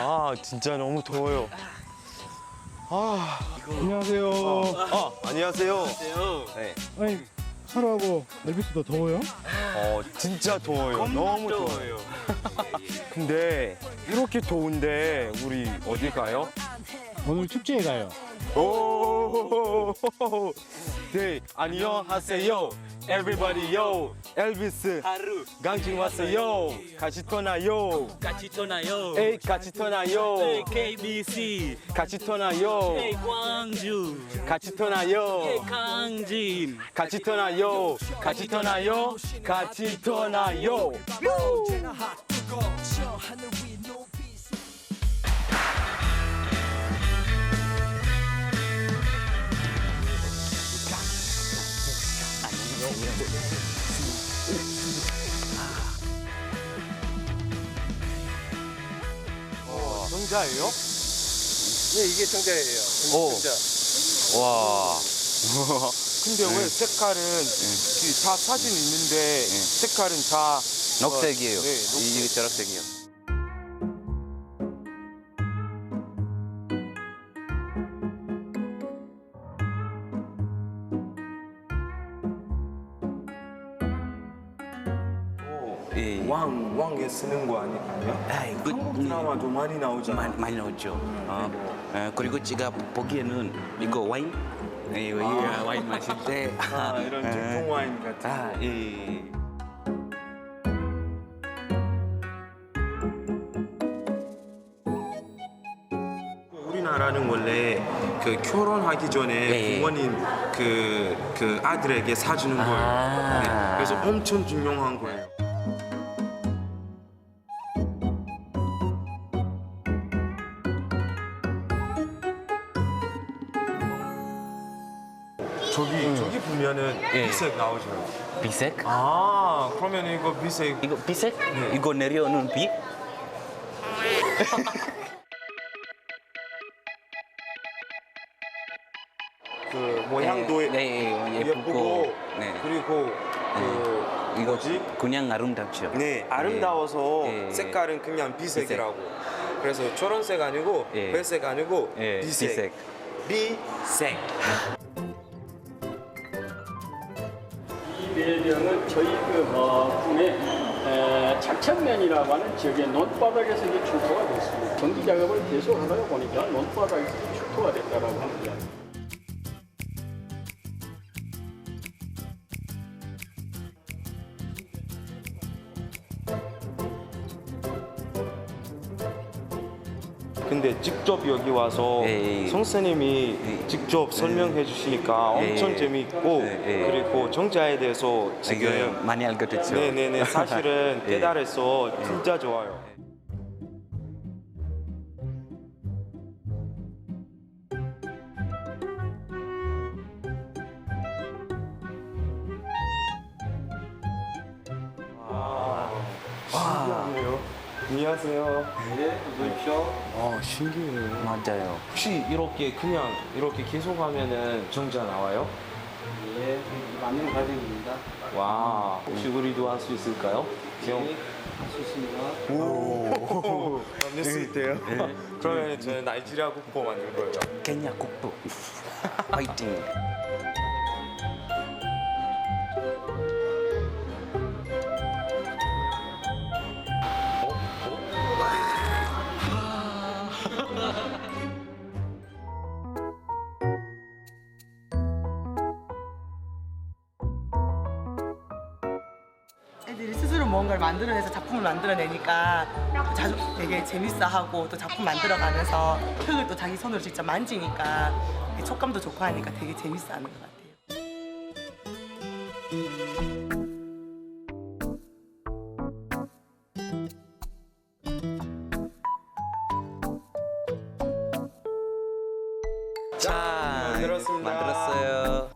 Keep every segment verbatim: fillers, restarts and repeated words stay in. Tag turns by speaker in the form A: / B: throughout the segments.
A: 아 진짜 너무 더워요. 아
B: 안녕하세요.
A: 아, 안녕하세요. 네.
B: 아니 하루하고 엘비스도 더워요?
A: 어 진짜 더워요. 너무 더워요. 근데 이렇게 더운데 우리 어디 가요?
B: 오늘 축제에 가요.
A: 오, 네, 안녕하세요. Everybody, yo. 엘비스
C: 하루
A: 강진 왔어요. 같이 떠나요.
C: 같이 떠나요.
A: 에이, 같이 떠나요.
C: 케이비씨
A: 같이 떠나요.
C: 광주
A: 같이 떠나요.
C: 강진
A: 같이 떠나요. 같이 떠나요. 같이 떠나요. 정자예요?
D: 네, 이게 정자예요.
A: 오.
D: 정자.
A: 와. 근데 왜 색깔은 그 다 사진 있는데 색깔은 다
E: 녹색이에요.
A: 네, 녹색.
E: 이게 초록색이요. 예.
A: 왕 왕에 쓰는 거 아니, 아니야?
E: 아이, 그,
A: 한국 드라마도 많이 나오잖아.
E: 많이, 많이 나오죠. 어. 어, 그리고 제가 보기에는 이거 와인? 예, 이거
A: 아.
E: 와인 마실 때.
A: 아, 이런
E: 예.
A: 전통 와인 같은.
E: 아, 예.
A: 우리나라는 원래 그 결혼하기 전에
E: 네.
A: 부모님 그, 그 아들에게 사주는 거예요.
E: 아.
A: 네, 그래서 엄청 중요한 거예요. 저기 저기 보면은
E: 예.
A: 비색 나오죠.
E: 비색?
A: 아 그러면 이거 비색
E: 이거 비색? 이거 내려오는 비?
A: 그 모양도
E: 네, 네, 예쁘고.
A: 예쁘고
E: 네.
A: 그리고 그
E: 이거
A: 뭐지?
E: 그냥 아름답죠.
A: 네 아름다워서
E: 예.
A: 색깔은 그냥 비색이라고. 그래서 초록색 아니고
E: 예.
A: 회색 아니고
E: 예,
A: 비색.
E: 비색.
A: 비색.
F: 이 배경은 저희 그 어, 군의 에, 작천면이라고 하는 지역의 논바닥에서 이제 출토가 됐습니다. 전기 작업을 계속 하다 보니까 논바닥에서 출토가 됐다라고 합니다.
A: 근데 직접 여기 와서
E: 예.
A: 선생님이
E: 예.
A: 직접 설명해 주시니까
E: 예.
A: 엄청 재미있고
E: 예. 예.
A: 그리고 정자에 대해서
E: 이거
A: 지금
E: 많이 알게 됐죠.
A: 네네네 사실은
E: 예.
A: 깨달아서 진짜 좋아요. 신기하네요. 안녕하세요.
F: 네, 어서 오십시오.
A: 아 신기해요.
E: 맞아요.
A: 혹시 이렇게 그냥 이렇게 계속 하면은 정자 나와요?
F: 예, 맞는 과정입니다.
A: 와 혹시 우리도 할 수 있을까요? 경.
F: 할 수 있습니다.
A: 오, 만들 수 있대요? 그러면 저는 나이지리아 국보 만들 거예요.
E: 케냐 국부. 화이팅.
G: 애들이 스스로 뭔가를 만들어내서 작품을 만들어내니까 자주 되게 재밌어하고 또 작품 만들어가면서 흙을 또 자기 손으로 직접 만지니까 촉감도 좋고 하니까 되게 재밌어하는 것 같아요.
E: 자,
A: 만들었습니다.
E: 만들었어요.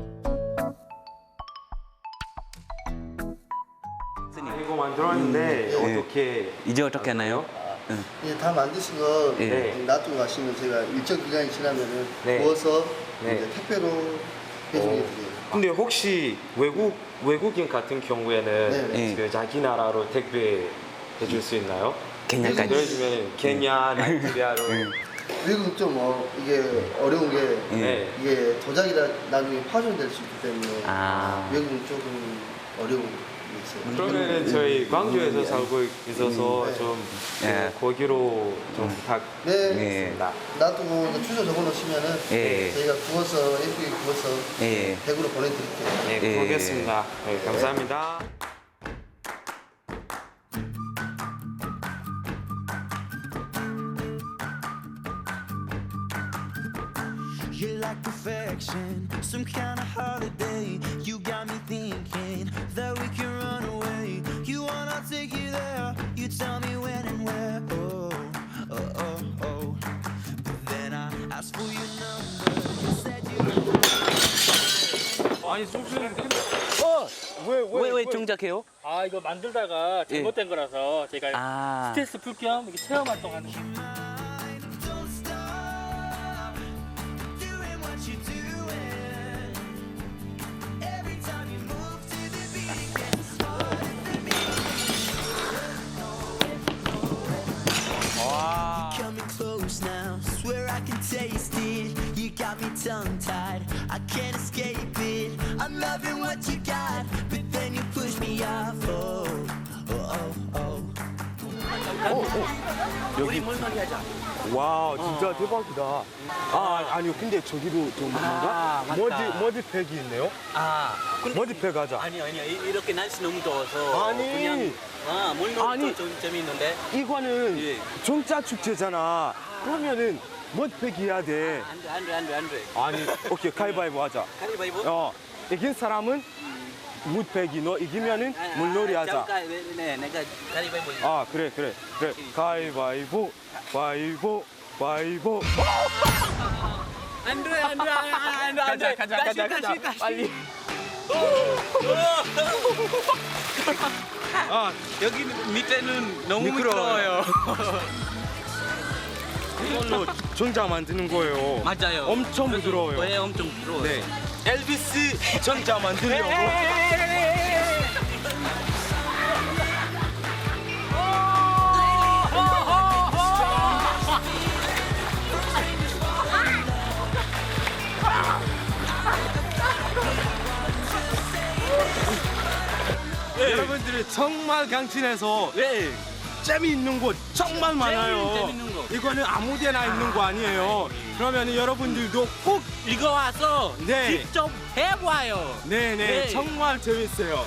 A: 이거 만들었는데 어떻게
E: 이제 어떻게 하나요? 응.
H: 예, 다 만드시고
E: 예.
H: 놔두고 가시면 제가 일정 기간이 지나면은
A: 네.
H: 구워서
A: 네.
H: 이제 택배로 배송해 드려요.
A: 근데 혹시 외국 외국인 같은 경우에는
H: 네.
E: 네.
A: 그 자기 나라로 택배 해줄 수 있나요?
E: 케냐까지.
A: 보여주면 케냐, 나이지리아로.
H: 외국은 좀 어, 이게 어려운 게
A: 네.
H: 이게 도자기가 나중에 파손될 수 있기 때문에
E: 아.
H: 외국은 조금 어려운 게 있어요.
A: 그러면은 저희 광주에서 살고 있어서
H: 네.
A: 좀
E: 예.
A: 거기로 좀
H: 네,
E: 예.
H: 놔두고 이제 주소 적어놓으시면은
E: 예.
H: 저희가 구워서 예쁘게 구워서
E: 예.
H: 댁으로 보내드릴게요.
A: 네,
E: 예.
A: 보겠습니다. 네, 감사합니다.
I: You're like perfection, some kind of holiday. You got me thinking that we can run away. You wanna take you there, you tell me when and where. Oh, oh, oh, oh. But then I asked for your number. You said you
A: 아니 소주는
C: 왜 왜 정작해요?
F: 아 이거 만들다가 잘못된 거라서 제가
C: 아.
F: 스트레스 풀 겸 이렇게 체험 활동하는 거.
I: don't stop doing what you're doing. Every time you move to the beat, it gets harder for me. You're coming close now, swear I can taste it. You got me tongue-tied, I can't escape it. I'm loving what you got, but then you push me off. Oh, oh, oh, oh.
C: 우리 물놀이 하자.
A: 와 진짜 대박이다. 아 아니요 근데 저기도 좀
C: 아,
A: 뭔가
C: 맞다.
A: 머지 머지팩이 있네요.
C: 아, 근데
A: 머지팩 하자.
C: 아니 아니요 이- 이렇게 날씨 너무 더워서
A: 아니.
C: 그냥 아 물놀이도
A: 아니.
C: 좀 재미있는데
A: 이거는
C: 예.
A: 종자 축제잖아. 그러면은 머지팩 해야 돼.
C: 안돼 안돼 안돼 안돼.
A: 아니 오케이 가위바위보 하자.
C: 가위바위보.
A: 어 이긴 사람은 무팩이 너 이기면은 물놀이 하자.
C: 잠깐 네, 네 내가 가위바위보.
A: 아 그래 그래 그래 가위바위보 바위보 바위보.
C: 안돼 안돼 안돼 안돼.
A: 가자 가자 가자 가자 빨리.
C: 아 여기 밑에는 너무
A: 미끄러워요.
C: 미끄러워요.
A: 이걸로 전자 만드는 거예요.
C: 맞아요.
A: 엄청
C: 그래서
A: 부드러워요.
C: 왜 엄청 부드러워요?
A: 네. 엘비스 전자 만들려고. 여러분들이 정말 강진에서
C: 네.
A: 재미있는 곳 정말 많아요.
C: 재밌는 곳.
A: 이거는 아무데나 있는 거 아니에요. 그러면 여러분들도 꼭
C: 이거 와서
A: 네.
C: 직접 해봐요.
A: 네네
C: 네.
A: 정말 재밌어요.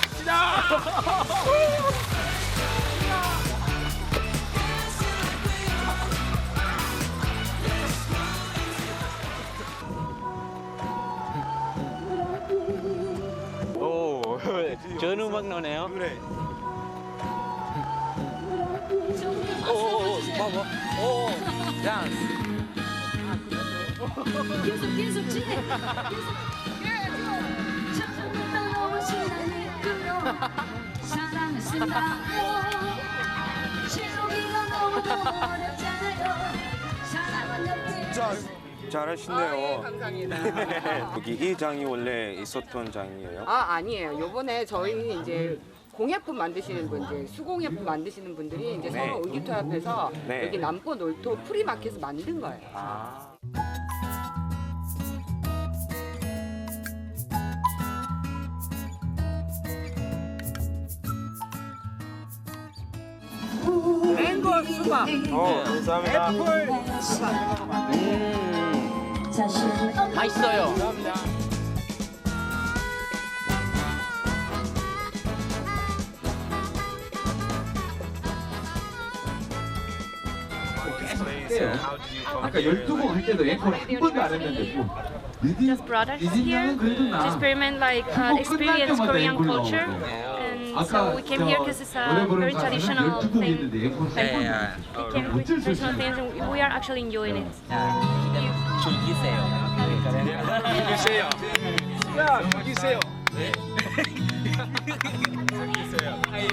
C: 오, 전 음악 나네요.
A: 그래.
C: 오, 오, 봐봐. 오, 야.
J: 계속 계속 진행. 처음부터 너무 신나게 끌어 사랑을 쓴다고 지우기가 너무 어렵잖아요. 사랑은 옆에
A: 자 잘하시네요.
K: 감사합니다.
A: 여기 이 장이 원래 있었던 장이에요?
K: 아 아니에요. 요번에 저희 이제 공예품 만드시는 분들, 수공예품 만드시는 분들이 이제
A: 네.
K: 서로 의기투합해서
A: 네.
K: 여기 남포 놀토 프리마켓에서 만든 거예요.
A: 아.
K: 맹고 수박.
A: 어 감사합니다.
C: 음, 맛있어요.
L: 아까 열두 곡 할 때도 앵콜 한 번도 안 했는데 뭐
J: just brought us here to experiment like uh, experience Korean culture. And so we came here because it's a very traditional thing. Like, we came with traditional things and we are actually enjoying it.
C: 즐기세요.
A: 주세요. 야, 주세요.
C: 즐기세요.